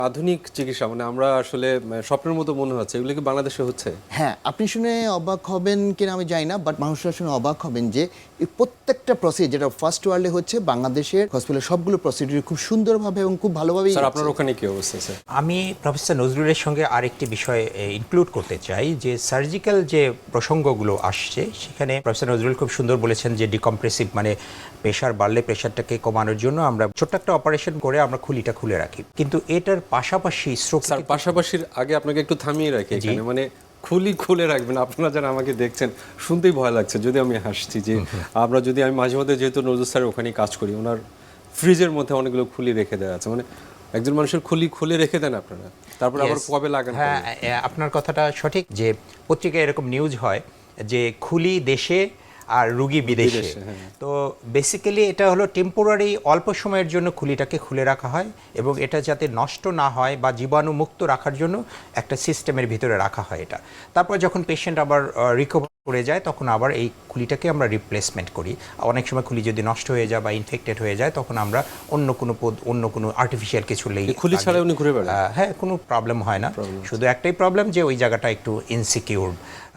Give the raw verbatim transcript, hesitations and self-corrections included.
আধুনিক চিকিৎসা মানে আমরা আসলে স্বপ্নের মতো মনে হচ্ছে, এগুলো কি বাংলাদেশে হচ্ছে? হ্যাঁ, আপনি শুনে অবাক হবেন কিনা আমি জানি না, বাট মানুষরা শুনে অবাক হবেন যে এই প্রত্যেকটা প্রসিডিউর যেটা ফার্স্ট ওয়ার্ল্ডে হচ্ছে বাংলাদেশের হসপিটালে সবগুলো প্রসিডিউর খুব সুন্দরভাবে এবং খুব ভালোভাবেই স্যার হচ্ছে। আপনার ওখানে কি অবস্থা স্যার? আমি প্রফেসর নজরুলের সঙ্গে আরেকটি বিষয় ইনক্লুড করতে চাই যে সার্জিক্যাল যে প্রসঙ্গগুলো আসছে সেখানে প্রফেসর নজরুল খুব সুন্দর বলেছেন যে ডিকম্প্রেসিভ মানে প্রেশার বাড়লে প্রেশারটাকে কমানোর জন্য আমরা ছোট্ট একটা অপারেশন করে আমরা খুলিটা খুলে রাখি, কিন্তু এটার পাশাপাশি স্ট্রোক স্যার পাশাপাশির আগে আপনাকে একটু থামিয়ে রাখি এখানে, মানে খুলি খুলে রাখবেন। আপনারা যারা আমাকে দেখছেন শুনতেই ভয় লাগছে, যদি আমি হাসছি যে আমরা যদি আমি মাঝে মধ্যে যেহেতু নজরুল স্যারের ওখানে কাজ করি, ওনার ফ্রিজের মধ্যে অনেকগুলো খুলি রেখে দেওয়া আছে, মানে একজন মানুষের খুলি খুলে রেখে দেন আপনারা, তারপর আবার Yes. কবে লাগান? হ্যাঁ, আপনার কথাটা সঠিক যে পত্রিকায় এরকম নিউজ হয় যে খুলি দেশে আর রুগী বিদেশে। বিদেশে, হ্যাঁ। তো বেসিক্যালি এটা হলো টেম্পোরারি, অল্প সময়ের জন্য খুলিটাকে খুলে রাখা হয় এবং এটা যাতে নষ্ট না হয় বা জীবাণুমুক্ত রাখার জন্য একটা সিস্টেমের ভিতরে রাখা হয় এটা। তারপর যখন পেশেন্ট আবার রিকভার করে যায় তখন আবার এই খুলিটাকে আমরা রিপ্লেসমেন্ট করি। অনেক সময় খুলি যদি নষ্ট হয়ে যায় বা ইনফেক্টেড হয়ে যায় তখন আমরা অন্য কোনো পদ অন্য কোনো আর্টিফিশিয়াল কিছু লেই এই খুলি ছাড়া উনি ঘুরে বেড়ান? হ্যাঁ, কোনো প্রবলেম হয় না, শুধু একটাই প্রবলেম যে ওই জায়গাটা একটু ইনসিকিউর।